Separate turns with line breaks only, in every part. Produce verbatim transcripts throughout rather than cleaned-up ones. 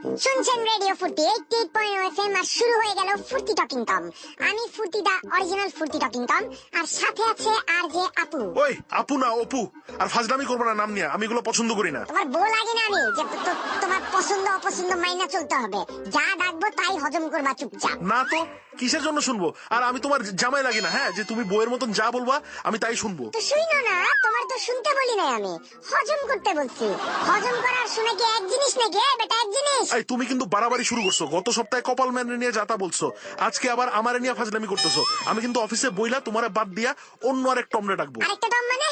শুনছেন radio Foorti eighty eight point o FM আর শুরু হয়ে গেল ফুর্তি টকিং টম। আমি Foorti the original Foorti talking Tom, আর সাথে আছে আর যে আপু।
ওই আপু না অপু, আর ফাজলামি করবো না নাম নিয়ে, আমি এগুলো পছন্দ করি না।
তোমার বউ লাগে না আমি যে তো- তোমার পছন্দ অপছন্দ মাইনা চলতে হবে, যা ডাকবো তাই হজম করবা চুপচাপ।
না তো কিসের জন্য শুনবো? আর আমি তোমার জামাই লাগি না, হ্যাঁ, যে তুমি বউয়ের মতন যা বলবা আমি তাই শুনবো।
তো শুইনো না, তোমার তো শুনতে বলি নাই, আমি হজম করতে বলছি। হজম করার শুনে কি এক জিনিস নাকি? এ বেটা এক জিনিস।
এই তুমি কিন্তু বাড়াবাড়ি শুরু করছো। গত সপ্তাহে কপাল ম্যান নিয়ে যাতা বলছো, আজকে আবার আমারে নিয়ে ফাজলামি করতেছো। আমি কিন্তু অফিসে বইলা তোমারে বাদ দিয়া অন্য আরেক টমরে ডাকবো।
আরেকটা টম মানে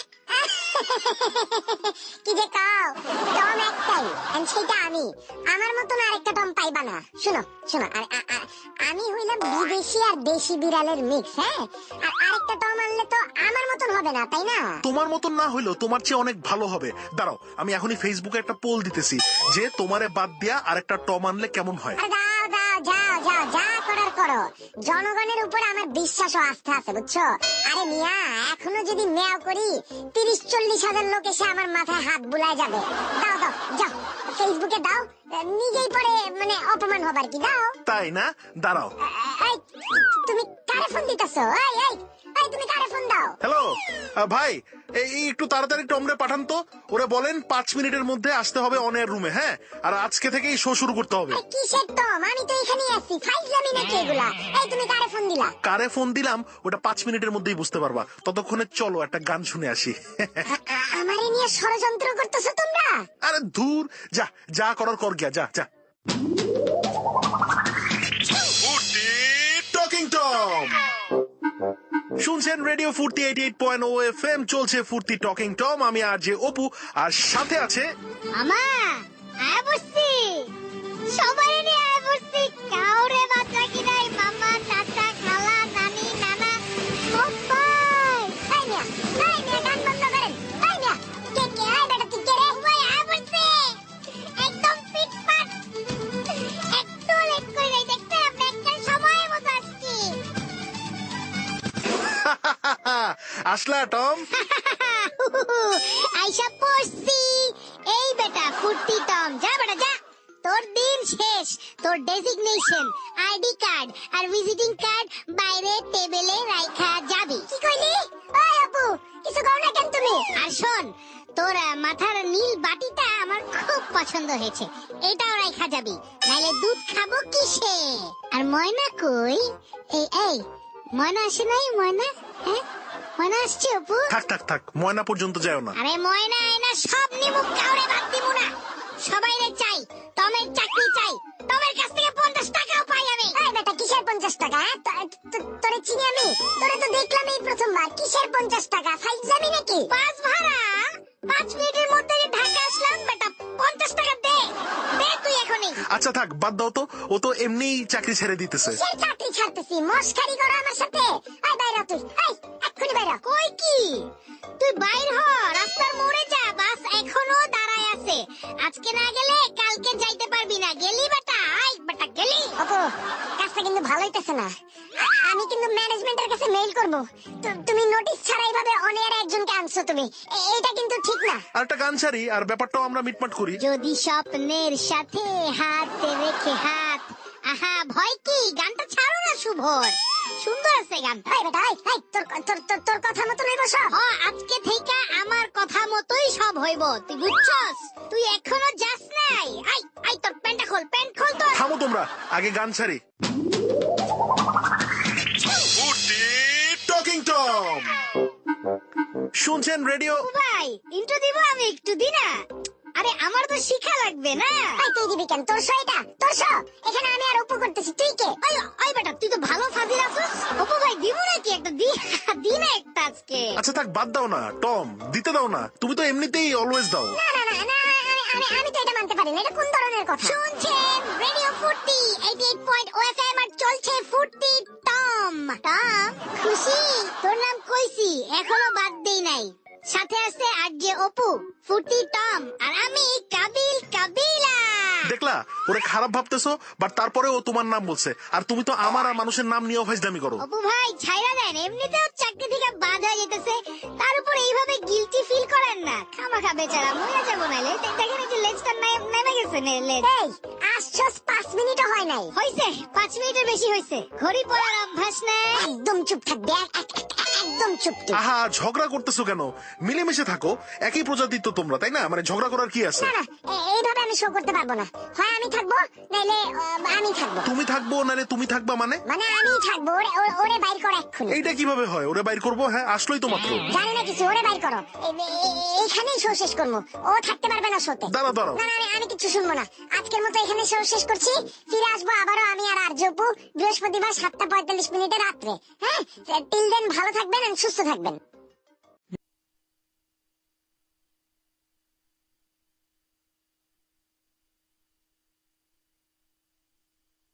কি যে কাও, টম একটাই, and সেটা আমি। আমার মতন আরেকটা টম পাইবা না। শুনো শুনো, আর আ- আ- আমি হইলাম বিদেশি আর দেশি বিড়ালের মিক্স, হ্যাঁ। আর আরেকটা টম আনলে তো আমার মতন হবে না, তাই না?
তোমার মতন না হইলেও তোমার চেয়ে অনেক ভালো হবে। দাঁড়াও, আমি এখনই ফেসবুকে একটা পোল দিতেছি যে তোমারে বাদ দিয়া আরেকটা টম আনলে কেমন হয়।
আরে দাও দাও, যাও যাও, যা করার করো। জনগণের উপর আমার বিশ্বাস ও আস্থা আছে, বুঝছো? আরে মিয়া, এখনো যদি মেয়াও করি তিরিশ চল্লিশ হাজার লোক এসে আমার মাথায় হাত বুলায় যাবে। দাও দাও, যাও ফেসবুকে দাও, নিজেই পরে মানে অপমান হবার কি, দাও।
তাই না? দাঁড়াও।
এই, তুমি কারে ফোন দিতেছো? এই এই এই, তুমি কারে ফোন দাও?
হ্যালো ভাই, এই একটু তাড়াতাড়ি টমরে পাঠান তো। ওরে বলেন পাঁচ মিনিটের মধ্যে আসতে হবে অন এয়ার রুমে, হ্যাঁ। আর আজকে থেকেই শো শুরু করতে হবে।
এই কিসের টম? আমি তো এখানেই আছি, ফাইজলামি নাকি এগুলা? এই তুমি কারে ফোন দিলা?
কারে ফোন দিলাম ওটা পাঁচ মিনিটের মধ্যেই বুঝতে পারবা। ততক্ষণে চলো একটা গান শুনে আসি।
আ- আ- আমারে নিয়ে ষড়যন্ত্র করতেছো তোমরা?
আরে ধুর, যা যা করার কর গিয়া, যা যা। টকিং টম শুনছেন radio Foorti eighty eight point o F M, চলছে ফুর্তি টকিং টম। আমি আর যে অপু, আর সাথে আছে
আমা আয় বসছি, সবাই নিয়ে আয় বসছি। কাউরে বাচ্চা কি নাই, মামা চাচা খালা নানি নানা সবাই। এই মিয়া, এই মিয়া, গান বন্ধ করেন। এই মিয়া, কে কে? এই বেটা তুই কে রে? সবাই আয় বসছি, একদম ফিটফাট। একটু লেট করে নাই, দেখতে আমরা একটা সময় মতো আসছি।
আসলা টম।
আইসা পড়ছি। এই বেটা ফুর্তি টম, যা বেটা যা। তোর দিন শেষ। তোর ডেজিগনেশন, আইডি কার্ড আর ভিজিটিং কার্ড বাইরে টেবিলে রাখা যাবে। কি কইলি? ওই আপু, কিছু কও না কেন তুমি? আর শোন, তোর আহ, মাথার নীল বাটিটা আমার খুব পছন্দ হয়েছে, এটাও রাখা যাবে, নাইলে দুধ খাবো কিসে? আর ময়না কই? এই এই, ময়না আসে নাই? ময়না, হ্যাঁ ময়না আসছে আপু?
থাক থাক থাক, ময়না পর্যন্ত যাও না।
আরে ময়না আয়না সব নিমুখ, কাউরে বাদ দিমু না। সবাই রে চাই, টমের চাকরি চাই। টমের কাছ থেকে পঞ্চাশ টাকাও পাই আমি। এই বেটা, কিসের পঞ্চাশ টাকা? হ্যাঁ? তো- তো- তোরে চিনি আমি, তোরে তো দেখলাম এই প্রথমবার। কিসের পঞ্চাশ টাকা? ফাইজলামি নাকি? বাস ভাড়া পাঁচ মিনিটের মধ্যে যে ঢাকা আসলাম, বেটা পঞ্চাশ টাকা দে, দে তুই এখনই।
আচ্ছা থাক, বাদ দাও তো, ও তো এমনিই চাকরি ছেড়ে দিতেছে।
কিসের চাকরি ছাড়তেছি? মস্কারি করো আমার সাথে? এই বাইরা তুই, এই এক্ষুনি বাইরা। কই কি? তুই বাইর হ, রাস্তার মোড়ে যা, বাস এখনো দাঁড়ায় আছে। আজকে না গেলে কালকে যাইতে পারবি না। গেলি বেটা? আই বেটা গেলি? আপু, কাজটা কিন্তু ভালো হইতেছে না। আ- আমি কিন্তু ম্যানেজমেন্টের কাছে মেইল করব। তু- তুমি নোটিশ ছাড়াই ভাবে অন এয়ারে একজনকে আনছো তুমি, এ- এটা কিন্তু ঠিক না।
আর একটা গান ছাড়ি, আর ব্যাপারটাও আমরা মিটমাট করি।
যদি স্বপ্নের সাথে হাত রেখে হাত, আহা ভয় কি? গানটা ছাড়ো না শুভর, সুন্দর আছে গানটা। এই বেটা, এই, এই, তোর তোর তোর তোর কথা মতো হইব সব। ও, আজকে থেকে আমার কথা মতোই সব হইব, তুই বুঝছস? তুই এখনো যাস নাই। আই আই, তোর প্যান্টটা খোল, প্যান্ট খোল তোর।
থামো তোমরা, আগে গান ছাড়ি। টকিং টম শুনছেন রেডিও।
ভাই ইন্ট্রো দিব আমি একটু দি না? আরে আমার তো শিখা লাগবে না। এই তুই দিবি কেন? তোর শো এটা, তোর শো। এখানে আমি আর অপু করতেছি, তুই কে? ওই ওই বেটা, তুই তো ভালো ফাজিল আছিস। অপু ভাই দিব নাকি একটা? দি দি না একটা আজকে।
আচ্ছা থাক, বাদ দাও না টম, দিতে দাও না। তুমি তো এমনিতেই অলওয়েজ দাও।
না না না না, আমি আমি আমি তো এটা মানতে পারি না। এটা কোন ধরনের কথা? শুনছেন radio Foorti eighty eight point o F M, আর চলছে ফুর্তি টম। টম খুশি? তোর নাম কইছি, এখনো বাদ দেই নাই। সাথে আছে আর যে অপু, ফুর্তি টম, আর আমি কাবিল কাবিলা।
দেখলা, ওরে খারাপ ভাবতেছো, বাট তারপরে ও তোমার নাম বলছে। আর তুমি তো আমার আর মানুষের নাম নিয়েও ফাইজলামি করো।
অপু ভাই ছাইরা দেন, এমনিতেও চাকরি থেকে বাদ হয়ে যেতেছে, তার উপর এইভাবে গিলটি ফিল করেন না। খামাখা বেচারা মরে যাবো, নাইলে দেখেন এই যে লেজটা নেমে গেছে। লেজ, এই আসছস পাঁচ মিনিটও হয় নাই। হইছে পাঁচ মিনিটের বেশি হইছে। ঘড়ি পড়ার অভ্যাস নাই। একদম চুপ থাকবে, এক- এক- এক- একদম চুপ তুই।
আহা ঝগড়া করতেছো কেন? মিলেমিশে থাকো, একই প্রজাতির তো তোমরা, তাই না? মানে ঝগড়া করার কি আছে?
না না, এ- এইভাবে আমি শো করতে পারবো না। হয় আমি থাকবো, নাইলে আহ, আমি থাকবো।
তুমি থাকবো নালে তুমি থাকবা মানে?
মানে আমি থাকবো, ওরে ওরে- ওরে বাইর করো এক্ষুনি।
এইটা কিভাবে হয়? ওরে বাইর করবো? হ্যাঁ আসলোই তো মাত্র।
জানি না কিছু, ওরে বাইর করো। এ- এ- এইখানেই শো শেষ করবো। ও থাকতে পারবে না শোতে।
দাঁড়াও দাঁড়াও,
না না, আমি আমি কিছু শুনবো না। আজকের মতো এখানে শো শেষ করছি। ফিরে আসবো আবারও আমি আর আরজপু বৃহস্পতিবার সাতটা পঁয়তাল্লিশ মিনিটে রাত্রে। হ্যাঁ, টিল দেন ভালো থাকবেন আর সুস্থ থাকবেন।